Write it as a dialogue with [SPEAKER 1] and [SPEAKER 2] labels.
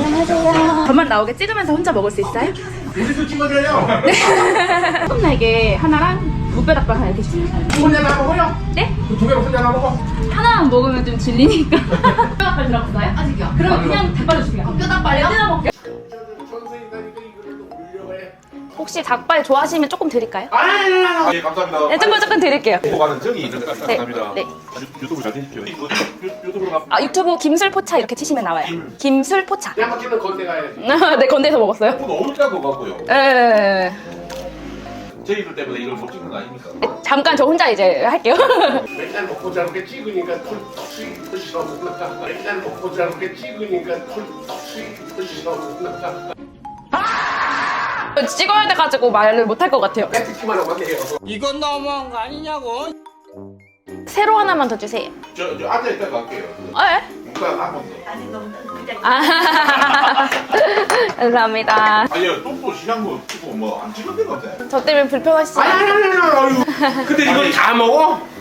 [SPEAKER 1] 안녕하세요. 저만 나오게 찍으면서 혼자 먹을 수 있어요?
[SPEAKER 2] 우리도 찍어줘요.
[SPEAKER 1] 네. 소금 날개 하나랑 무뼈닭발 하나 이렇게 주세요.
[SPEAKER 2] 혼자 나 먹어요?
[SPEAKER 1] 네?
[SPEAKER 2] 그 두 개로 혼자 나 먹어?
[SPEAKER 1] 하나만 먹으면 좀 질리니까. 뼈닭발 들어갔어요? 아직이요. 그러면 그냥 닭발로 주세요. 뼈닭발이요? 뜯어먹게요. 혹시 닭발 좋아하시면 조금 드릴까요?
[SPEAKER 2] 예, 감사합니다.
[SPEAKER 1] 네, 조금 드릴게요.
[SPEAKER 2] 보고가는 정이 감사합니다.
[SPEAKER 1] 네.
[SPEAKER 2] 유튜브 잘 되십시오. 유튜브로 가.
[SPEAKER 1] 아, 유튜브 김술포차 이렇게 치시면 나와요. 김술포차.
[SPEAKER 2] 양 막히는 건데 가야지.
[SPEAKER 1] 네, 건대에서 먹었어요.
[SPEAKER 2] 너무 짠 것 같고요.
[SPEAKER 1] 네.
[SPEAKER 2] 저희들 때문에 이걸 못 찍는 거 아닙니까?
[SPEAKER 1] 잠깐 저 혼자 이제 할게요.
[SPEAKER 2] 맨날 먹고 자르게 찍으니까 털떡씩 부시러구나. 맨날 먹고 자르게 찍으니까 털떡씩 부시러구나.
[SPEAKER 1] 찍어야 돼가지고 말을 못 할 것 같아요.
[SPEAKER 2] 뺏기만 하고 하세요.
[SPEAKER 3] 이건 너무한 거 아니냐고.
[SPEAKER 1] 세로 하나만 더 주세요.
[SPEAKER 2] 저 앉아있다가 갈게요.
[SPEAKER 1] 아,
[SPEAKER 2] 누가 한 번 더.
[SPEAKER 1] 아, 감사합니다.
[SPEAKER 2] 아니요, 똥도 시간 거 찍고 뭐 안 찍은 데가 없네.
[SPEAKER 1] 저 때문에 불편하시죠?
[SPEAKER 2] 아유. 근데 이걸 다 먹어?